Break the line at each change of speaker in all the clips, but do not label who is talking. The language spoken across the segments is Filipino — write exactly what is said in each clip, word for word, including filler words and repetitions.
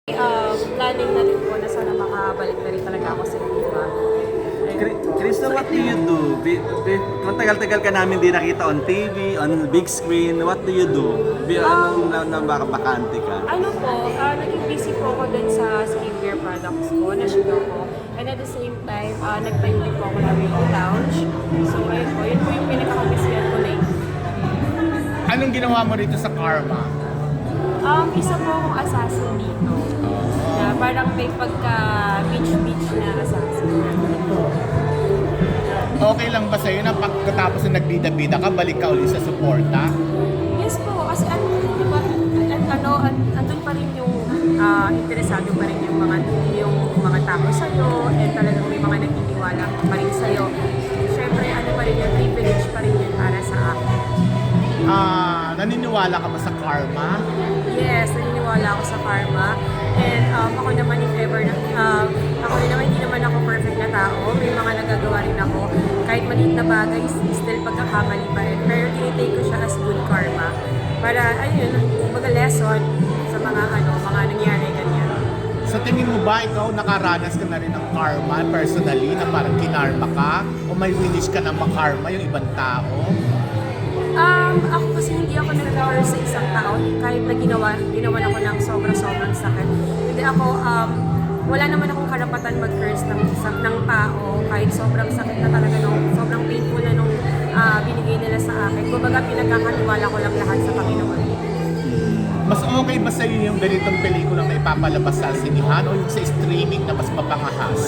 Uh, planning na rin po na sana makabalik na rin talaga ako sa Viva.
Krista, what do you do? Bi- bi- Matagal-tagal ka namin di nakita on T V, on big screen. What do you do? Bi- Anong na, na baka bakante ka?
Ano po, uh, naging busy po ako dun sa skincare products ko, na sugar ko. And at the same time, uh, nagtayo din po ako ng Rainbow Lounge. So ayun po, yun po yung pinaka-busyan ko na
Anong ginawa mo rito sa Karma?
Um, isa po akong assassin dito. Na parang may pagka-beach-beach na assassin.
Okay lang ba sa'yo na pagkatapos na nagbida-bida ka, balik ka ulit sa suporta?
Yes po, kasi ano, di ba, at ano, at, andun pa rin yung ah, interesado pa rin yung mga yung mga tao sa'yo, and talagang may mga nagtitiwala pa rin sa'yo. Siyempre, ano pa rin yung privilege pa rin yun para sa akin.
Ah, naniniwala ka ba sa karma?
Yes, naniniwala ako sa karma. And um, ako naman, if ever, na, um, ako rin naman, hindi naman ako perfect na tao. May mga nagagawa rin ako. Kahit maliit na bagay, still pagkakamali pa rin. Pero tinitake ko siya as good karma. Para, ayun, kumbaga lesson sa mga ano, mga nangyari ganyan.
Sa tingin mo ba ikaw nakaranas ka na rin ng karma personally na parang kinarma ka? O may winish ka na makarma yung ibang tao?
Um, ako kasi hindi ako nag-curse sa isang tao kahit na ginawa, ginawan ako ng sobra-sobrang sakit. Hindi ako, um, wala naman akong karapatan mag-curse ng, isang- ng tao kahit sobrang sakit na talaga nung, sobrang painful na nung ah, binigay nila sa akin. Kumbaga pinagkakaniwala ko lang lahat sa Panginoon.
Mas okay ba sa'yo yung ganitong pelikulang na ipapalabas sa sinihan o yung sa streaming na mas mapangahas?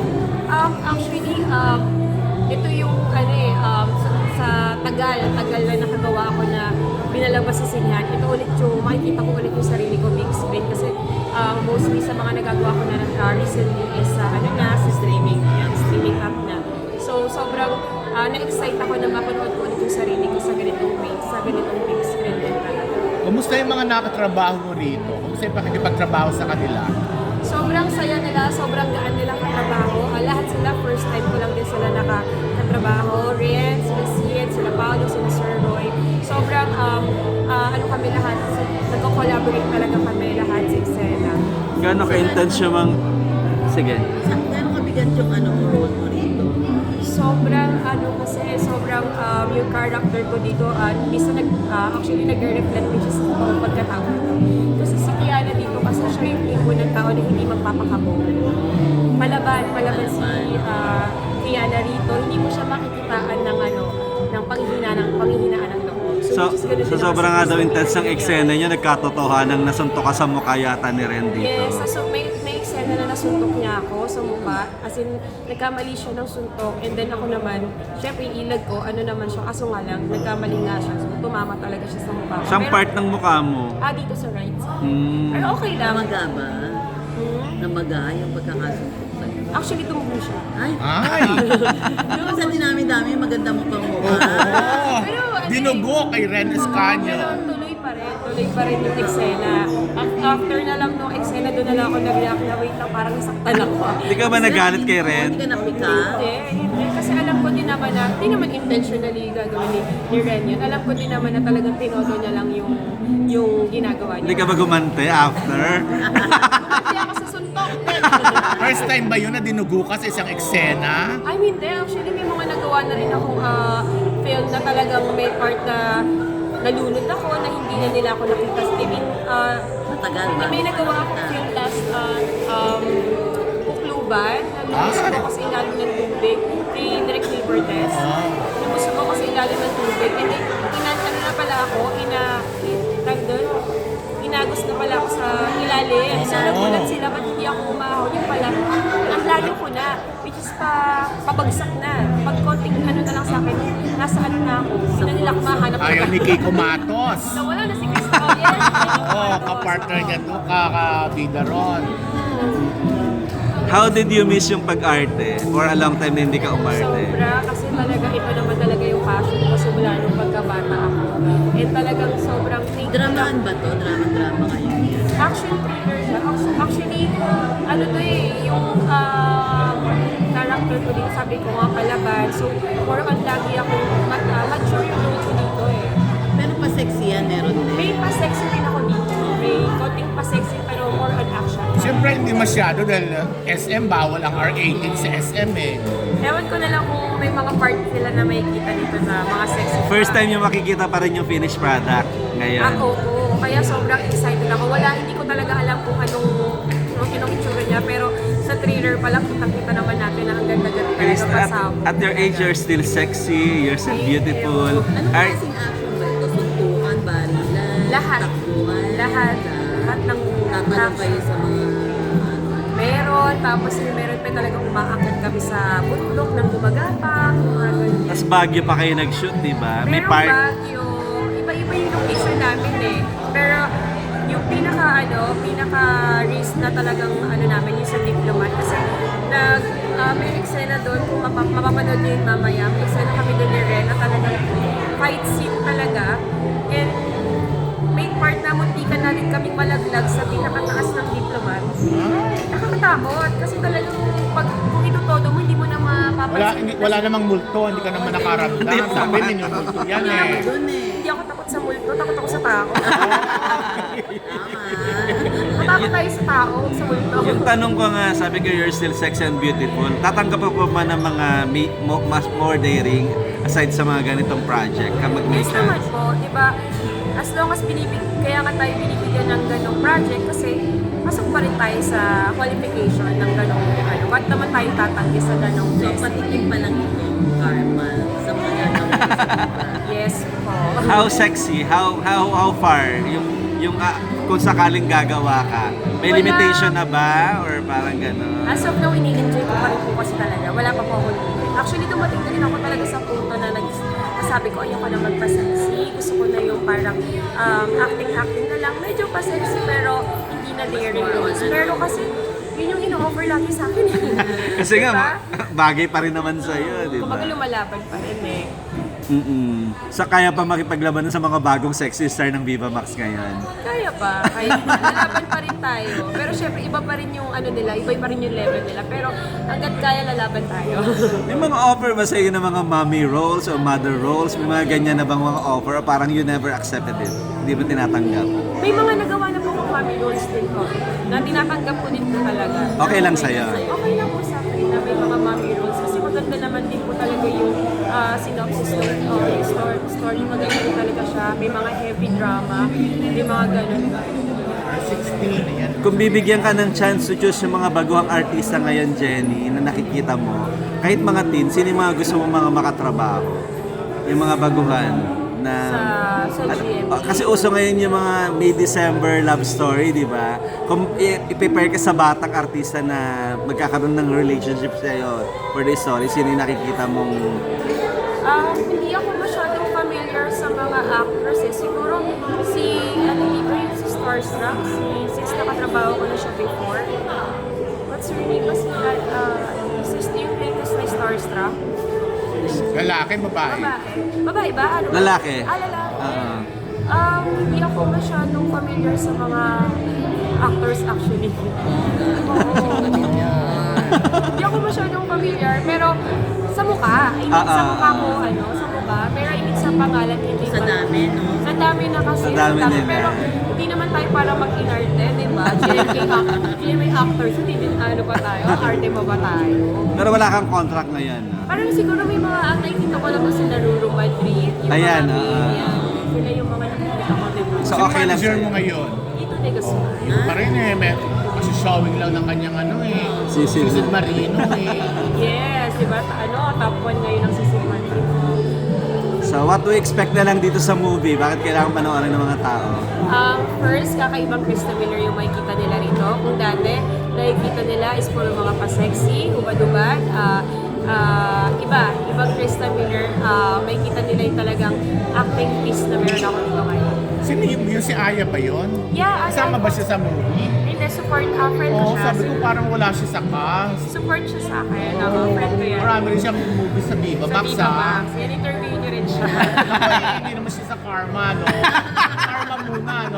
Um, actually, um, ito yung ano eh, um, sa, sa tagal, tagal na nakagawa ako na binalabas sa sinyan. Ito ulit yung, makikita ko ulit yung sarili ko big screen kasi um, mostly sa mga nagagawa ko na uh, recently is sa ano na, sa streaming, yan, streaming app na. So, sobrang uh, na-excite ako na mapanood ko ulit yung sarili ko sa ganitong way, sa ganitong big screen din talaga.
Kumusta yung mga nakatrabaho mo rito? Kumusta yung pakikipagtrabaho sa kanila?
Sobrang saya nila, sobrang gaan nila katrabaho. Uh, lahat sila, first time ko lang din sila nakatrabaho. Rian, sila Sian, sila Paolo, sila Sir Roy. Sobrang, um, uh, ano kami lahat, nagko-collaborate talaga kami lahat sa eksena.
Gano'n ka-intense yung mga... Sige.
Gano'n kabigat yung ano, role mo rito?
Sobrang, ano kasi, sobrang um, yung character ko dito, at uh, isa nag, uh, actually nag-reflect which is uh, pagkatao ko. Kasi si Kiana dito, kasi siya yung tipo ng tao na hindi magpapakabog. Palaban, palaban si uh, Kiana rito, hindi mo siya makikitaan ng ano, ng panghihinaan ng panghihinaan ng loob.
So,
which is ganun
so
din
sobrang
ako
nga
sa
daw
Krista
intense ng
Maria.
eksena niya, nagkatotohanan nasuntok ka sa mukha yata ni Ren dito.
Yes, so may, may eksena na nasuntok niya ako sa mukha. As in, nagkamali siya ng suntok. And then ako naman, syempre yung ilag ko, ano naman siya, kaso nga lang, nagkamali nga siya. So tumama talaga siya sa mukha ko.
Saan
Pero-
part ng mukha mo?
Ah, dito sa right side.
Hmm.
Pero okay lang.
Namaga ba?
Hmm?
Namaga yung pagkakasuntok sa'yo?
Actually, tumubo siya.
Ay!
Ay!
Yung sa dinami-dami, maganda mo pang mukha.
Oo!
Pero, ano
Dinugo kay Ren
Pero
Escanio.
tuloy pa rin, tuloy pa rin yung eksena. Af- After na lang nung eksena, doon na lang ako nag-react na wait lang, parang nasaktan ako.
Hindi ka ba nagalit kay Ren?
Hindi ka napika?
Hindi, hindi. Kasi alam ko din naman na, hindi naman intentionally gagawin ni, ni Ren yun. Alam ko din naman na talagang tinodo niya lang yung, yung ginagawa niya.
Hindi ka ba gumante after?
Kumati ako sa suntok.
First time ba yun na dinugo ka sa isang eksena?
I mean, hindi. Actually, may mga nagawa na rin akong uh, film na talagang may part na nalunod ako na hindi na nila ako nakita sa T V. Uh,
Matagal ba?
may nagawa akong film last uh, um, Pukluban. Nalusog ako sa ilalim ng tubig. Kay Direk Neil Cortez. Nalusog ako sa ilalim ng tubig. And then, inan, ano na pala ako, ina, tag doon, inagos na pala ako sa ilalim. So, nagulat sila, ba't hindi ako umahon? Yung pala, ang layo ko na, which is pa, pabagsak na. Pag konting ano na lang sa akin, nasa ano na ako. Hindi na nila ako mahanap.
Ayaw ni Kiko Matos.
Nawala na si Crystal. Yes.
Oo, oh, kapartner niya to, kakabida ron.
How did you miss yung pag-arte? For a long time na hindi ka umarte?
Sobra, kasi talaga ito naman talaga yung passion ko simula nung pagkabata ako. And talagang sobrang thankful
Dramaan
ako.
ba to? Drama-drama kayo?
Action thriller siya. Actu- Actually, ano to eh, yung um, character ko din, sabi ko nga palaban. So, more on lagi ako, mat uh, mature yung role ko dito eh.
Pero pa-sexy yan, meron din.
May pa-sexy din ako dito. May konting pa-sexy pero more on action.
Siyempre, hindi masyado dahil S M, bawal ang R eighteen sa S M eh.
Ewan ko na lang kung may mga part sila na makikita dito na mga sexy.
First time yung makikita pa rin yung finished product ngayon.
Ah, oo, oo. Kaya sobrang excited ako. Wala, hindi ko talaga alam kung anong, anong kinong itsura niya. Pero sa trailer pa lang, kitang-kita naman natin na ang ganda-ganda talaga
Chris, at,
pasabog.
at your age, you're still sexy, you're still beautiful.
Anong
Are,
klaseng action ba ito? Suntukan, barilan,
Lahat.
takbuhan,
Lahat. Lahat ng
tatanong kayo sa mga
meron, tapos meron pa talagang umaakit kami sa bundok ng gumagapang, mga ganyan.
tas Baguio pa kayo nag-shoot, di ba? May
Merong
part.
Baguio, iba-iba yung location namin eh. Pero yung pinaka ano, pinaka risk na talagang ano namin yung sa Diplomat kasi nag uh, may eksena doon kung mapa, mapapanood niyo yun mamaya. May eksena kami doon ni Ren na talagang fight scene talaga. And may part na muntikan na rin kaming malaglag sa pinakataas ng Diplomat. Nakakatakot kasi talagang pag kung itutodo mo, hindi mo na mapapansin.
Wala, hindi, wala namang multo, hindi ka naman nakaramdam.
Hindi mo
Sabi
naman.
ninyo, multo yan
Hindi
eh.
ako,
doon eh.
hindi ako takot sa multo, takot ako sa tao.
Tama.
Matakot tayo sa tao, huwag sa multo.
Yung tanong ko nga, sabi ko you're still sexy and beautiful. Tatanggap pa pa man ng mga may, mo, mas more daring aside sa mga ganitong project kapag may
Yes naman
chance.
po, di ba? As long as binibig, kaya nga tayo binibigyan ng ganong project kasi pasok pa rin tayo sa qualification ng ganong ano. Ba't naman tayo tatanggi sa ganong
So,
blessing?
patikim pa lang ito, karma, sa mga
Yes po.
How sexy? How how how far? Yung yung ah, kung sakaling gagawa ka, may
Wala.
limitation na ba or parang gano'n?
As of now, ini-enjoy ko pa rin po kasi talaga. Wala pa po ako limit. Actually, dumating na rin ako talaga sa punto na nag sabi ko, ayoko na magpa-sexy. Gusto ko na yung parang um, acting-acting na lang. Medyo pa-sexy pero hindi na daring roles. Pero kasi, yun yung ino-offer lagi sa akin.
Kasi nga,
Diba?
ma- bagay pa rin naman sa'yo, di ba?
Kumbaga lumalaban pa rin eh.
Mm-mm. Sa kaya pa makipaglabanan sa mga bagong sexy star ng Viva Max ngayon.
Kaya pa, kaya pa. Lalaban pa rin tayo. Pero syempre, iba pa rin yung ano nila, iba pa rin yung level nila. Pero hanggat kaya, lalaban tayo.
May mga offer ba sa'yo ng mga mommy roles o mother roles? May mga ganyan na bang mga offer o parang you never accepted it? Hindi ba tinatanggap?
May mga nagawa na po akong family roles din ko na tinatanggap ko din po talaga.
Okay lang sa'yo?
Okay lang po sa akin na may mga mommy roles kasi maganda naman din po talaga yung ah, synopsis story. Okay, story, story maganda din talaga siya. May mga heavy drama, may mga ganun.
sixteen, ayan.
Kung bibigyan ka ng chance to choose yung mga baguhang artista ngayon, Jenny, na nakikita mo, kahit mga teen, sino yung mga gusto mo mga makatrabaho? Yung mga baguhan na...
Sa, sa G M A.
Oh, kasi uso ngayon yung mga May December love story, di ba? Kung i- i-prepare ka sa batang artista na magkakaroon ng relationship sa'yo for the story, sino yung nakikita mong...
Um, hindi ako masyadong familiar sa mga actors eh. Siguro si, ano dito yung si Starstruck, si, since nakatrabaho ko na siya before. What's her name? Kasi, uh, sis, yung latest na Starstruck.
Lalaki, babae.
Babae. Babae ba? Ano ba?
Lalaki.
Ah, lalaki.
Oo.
Um, hindi ako masyadong familiar sa mga actors actually. Oo. Hindi ako masyadong familiar, pero sa mukha. I mean,
Ah,
sa
ah,
mukha
ah.
ko, ano, sa mukha. Pero I mean, sa pangalan, hindi
Sa
pa-
dami, no?
Sa dami na kasi.
Sa dami nila.
Pero hindi naman tayo para mag-inarte, di ba? G M K actors, G M A actors, hindi din ano ba tayo? Arte mo ba tayo?
Pero wala kang contract ngayon. no?
Parang siguro may mga ang nakikita ko lang na sila Ruru Madrid, yung
Ayan,
mga
ah,
May,
ah.
yan. Sila yung mga nakikita ko, di ba?
So,
Sino
okay lang
manager
sa'yo?
mo ngayon?
Dito, Negosyo.
Yun pa rin eh. May, kasi showing lang ng kanyang ano eh.
Si Sid.
Sid Marino eh.
Yes, di ba? Ta- Ano, top one ngayon ang Sisig Madrid.
So, what do we expect na lang dito sa movie? Bakit kailangan panoorin ng mga tao?
Um, first, kakaibang Krista Miller yung makikita nila rito. Kung dati, nakikita nila is puro mga pa-sexy, hubad-hubad. Ah, ah, iba, ibang Krista Miller, ah, makikita nila yung talagang acting piece na meron ako dito ngayon.
Sino yung, yung si Aya ba yun?
Yeah,
Kasama
Aya
ba
po.
siya sa movie?
Hindi, support, uh, friend ko
Oo,
siya.
sabi ko parang wala siya sa cast.
Support siya sa akin. Ako, friend ko yan.
Marami rin siyang movie sa Viva
Sa
Max
Viva
ah.
Max. Yan, interview niyo rin siya.
Ako eh, hindi naman siya sa Karma, no? Karma muna, no?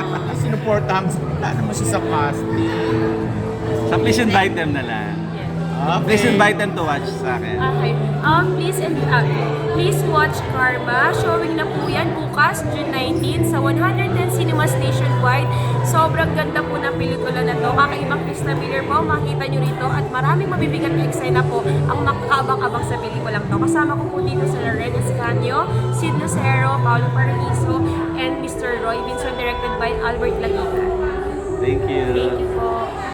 Sinuportahan ko. Wala naman siya sa cast.
So, please invite them na lang.
Yes.
Please invite them to watch sa akin.
Okay. Um, please, and, uh, please watch Karma. Showing na po yan bukas, June nineteenth, sa one hundred ten cinemas nationwide. Sobrang ganda po ng pelikula na to. Kakaibang Krista Miller po, makita nyo rito. At maraming mabibigat na eksena po ang makakabang-abang sa pelikulang to. Kasama ko po dito sa Loren Escanio, Sid Lucero, Paolo Paraiso, and Mister Roy Vincent, directed by Albert Laguita.
Thank you.
Thank you po.